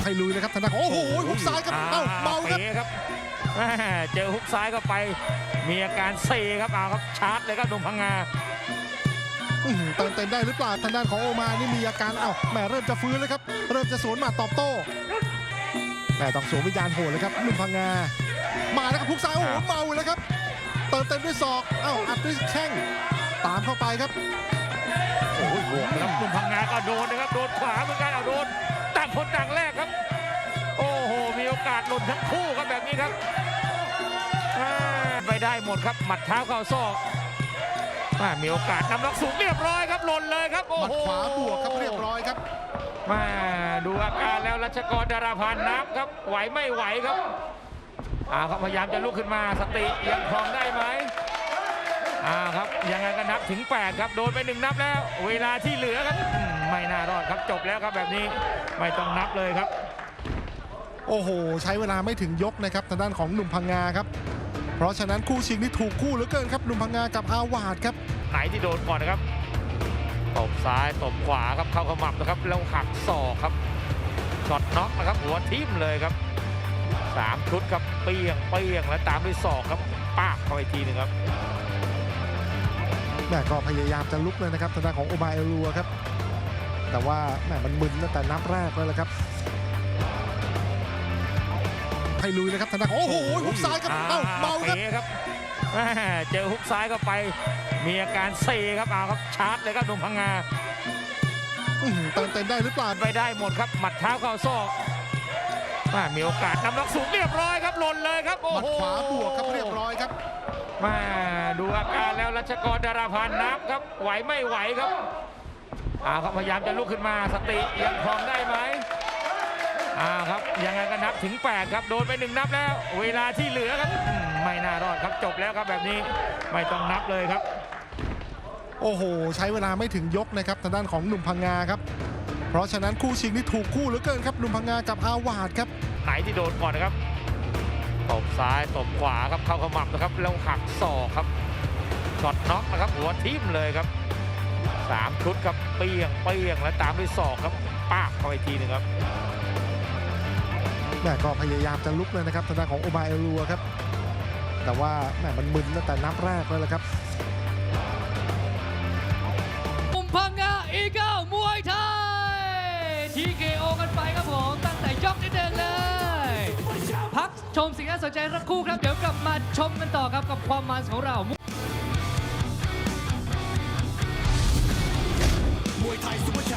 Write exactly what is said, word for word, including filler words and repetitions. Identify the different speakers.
Speaker 1: ให้ลุยนะครับทางด้านโอ้โหฮุกซ้ายครับเอ้าเมาครับ
Speaker 2: เจอฮุกซ้ายเข้าไปมีอาการเซครับเอาครับชาร์จเลยครับหนุ่มพังงา
Speaker 1: เติมเต็มได้หรือเปล่าทางด้านของโอมานี่มีอาการเอ้าแหมเริ่มจะฟื้นแล้วครับเริ่มจะสวนมาตอบโต้แหมต้องสวมวิญญาณโหดเลยครับหนุ่มพังงามาแล้วครับฮุกซ้ายโอ้โหเมาเลยครับเติมเต็มด้วยศอกเอ้าอัดด้วยแข้งตามเข้าไปครับ
Speaker 2: โอ้ยบวกครับหนุ่มพังงาก็โดนนะครับโดนขวาเหมือนกันเอาโดนต่างคนต่างแรกครับโอ้โหมีโอกาสหล่นทั้งคู่ครับแบบนี้ครับไปได้หมดครับหมัดเท้าเข้าศอกมีโอกาสนำล็อกสูงเรียบร้อยครับหล่นเลยครับโอ้โห
Speaker 1: ขวาบวกครับเรียบร้อยครับ
Speaker 2: มาดูอาการแล้วรัชกรดาราพันธ์นับครับไหวไม่ไหวครับอ่าครับพยายามจะลุกขึ้นมาสติยังครองได้ไหมอ่าครับยังไงก็นับถึงแปดครับโดนไปหนึ่งนับแล้วเวลาที่เหลือครับไม่น่ารอดครับจบแล้วครับแบบนี้ไม่ต้องนับเลยครับ
Speaker 1: โอ้โหใช้เวลาไม่ถึงยกนะครับทางด้านของหนุ่มพังงาครับเพราะฉะนั้นคู่ชิงนี่ถูกคู่เหลือเกินครับหนุ่มพังงากับอาวาดครับ
Speaker 2: ไหนที่โดนก่อนนะครับตบซ้ายตบขวาครับเข้าขมับนะครับแล้วหักศอกครับช็อตน็อกนะครับหัวทิ่มเลยครับสามชุดครับเปี้ยงเปี้ยงแล้วตามด้วยศอกครับปากเข้าไปทีหนึ่งครับ
Speaker 1: แม่ก็พยายามจะลุกเลยนะครับทางด้านของโอมาเอลัวครับแต่ว่าแม่มันมึนตั้งแต่นับแรกเลยแหละครับให้ลุยเลยครับทางด้านโอ้โหฮุกซ้ายครับเอ้าเมาครับ
Speaker 2: เจอฮุกซ้ายเข้าไปมีอาการเซครับเอาครับชาร์จเลยครับหนุ่มพังงา
Speaker 1: เติมเต็มได้หรือเปล่า
Speaker 2: ไปได้หมดครับหมัดเท้าเข้าศอกมีโอกาสนำล็อกสูงเรียบร้อยครับหล่นเลยครับโอ้
Speaker 1: โหขวาบวกครับเรียบร้อยครับ
Speaker 2: มาดูอาการแล้วรัชกรดาราพันธ์นับครับไหวไม่ไหวครับอ่าครับพยายามจะลุกขึ้นมาสติยังครองได้ไหมอ่าครับยังไงก็นับถึงแปดครับโดนไปหนึ่งนับแล้วเวลาที่เหลือครับไม่น่ารอดครับจบแล้วครับแบบนี้ไม่ต้องนับเลยครับ
Speaker 1: โอ้โหใช้เวลาไม่ถึงยกนะครับทางด้านของหนุ่มพังงาครับเพราะฉะนั้นคู่ชิงนี่ถูกคู่เหลือเกินครับหนุ่มพังงากับอาวาดครับ
Speaker 2: ไหนที่โดนก่อนนะครับตบซ้ายตบขวาครับเข้าขมับนะครับแล้วหักศอกครับช็อตน็อกนะครับหัวทิ่มเลยครับสามชุดครับเปี้ยงเปี้ยงแล้วตามด้วยศอกครับปากเข้าไปทีหนึ่งครับ
Speaker 1: แม่ก็พยายามจะลุกเลยนะครับทางด้านของโอมาเอลัวครับแต่ว่าแม่มันมึนตั้งแต่นับแรกเลยแหละครับ
Speaker 3: หนุ่มพังงาอีเกิลมวยไทย ที เค โอ กันไปครับผมตั้งแต่ยกที่หนึ่งเลยพักชมสิ่งน่าสนใจสักครู่ครับเดี๋ยวกลับมาชมกันต่อครับกับความมันของเรามวยไทยซุปเปอร์